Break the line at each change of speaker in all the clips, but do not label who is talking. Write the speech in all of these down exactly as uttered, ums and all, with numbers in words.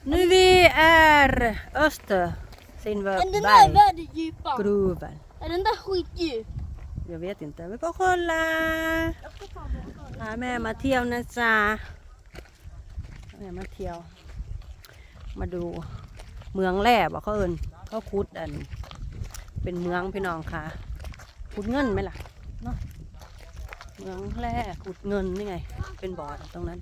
Nu vi är öster
Är den där
Silverberg
världen djupa?
gruvan.
Är den där skitdjup?
Jag vet inte, vi får kolla.พาแม่มาเที่ยวนะจ๊ะแม่มาเที่ยว มาดูเมืองแร่บ่เขาเอิญเขาขุดอัน เป็นเมืองพี่น้องค่ะขุดเงินไหมล่ะเนาะเมืองแร่ขุดเงินนี่ไง เป็นบ่อตรงนั้น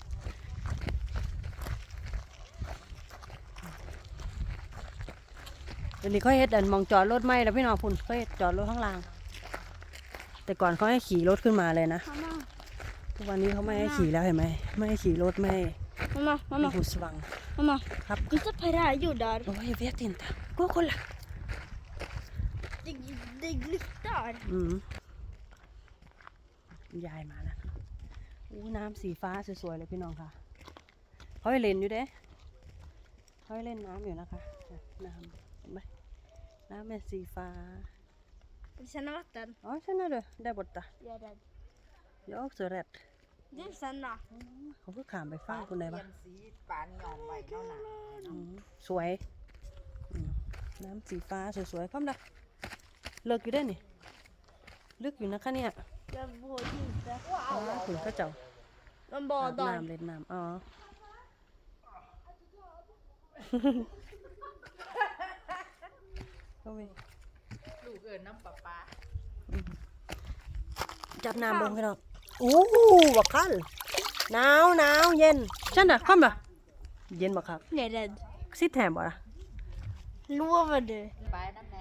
เดี๋ยวนี้เขาเฮ็ดอันมองจอดรถไม่แล้วพี่น้องพุ่นเขาเฮ็ดจอดรถข้างล่าง แต่ก่อนเขาให้ขี่รถขึ้นมาเลยนะ
Mamma,
ทุกวันนี้เขาไม่ให้ขี่แล้วเห็นไหมไม่ให้ขี่รถไม่ให้
mamma,
ไม่
mamma,
หูสว่าง
mamma.
ครับ
Titta på det här jordar.
โอ้ยเวียตินตากูคนละ
Det, det glittar.
อืมยายมาแล้วอู้น้ำสีฟ้าสวยๆเลยพี่น้องค่ะเขาให้เล่นอยู่เด้เขาให้เล่นน้ำอยู่นะคะน้ำเห็นไหมน้ำเป็นสีฟ้า
Vill du känna vatten?
อ๋อใช่นะเด้อได้บทตา
Jag är rädd.
เดี๋ยวเสือแรด
Du vill känna?
เขาเพิ่งขามไปฟ้าคนไหนบ้าง
สีปานยองไว้เนาะน่ะ
อืมสวยอืมน้ำสีฟ้าสวยๆพร้อมละเลิกอยู่ได้นี่ลึกอยู่นะคะเนี่ย
Jag vågar inte.
อ๋อคุณก็เจ้า
De
อาบ
badar.
น้ำเล่นน้ำอ๋อ เข้าไป
ลูกเอิญน้ำปลาปลา
จับน้ำเบิ่งพี่น้องโอ้บักคันหนาวหนาวเย็นฉันน่ะคว่ำล่ะเย็นบักคัก
Jag är rädd.
ซิดแถมบ่ล่ะ
Lovar du?
ไปนั่นแหละ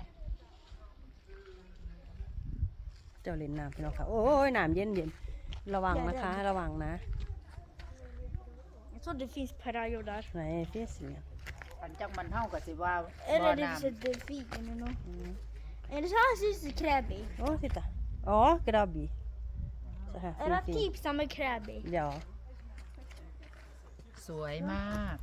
เจ้าเล่นน้ำพี่น้องค่ะโอ้ยน้ำเย็นเย็นระวังนะคะ ระวังนะ
Jag tror det finns parajordar.
ไหนเฟสเนี่ย
ปันจังมันเท่ากับสิว่า
Eller det finns ett delfin eller något. Eller så här syns det kräbi.
โอ้สิตาอ๋อกระบี่så här
Eller
fin fin
typ samma kräbi.
ja
สวยมาก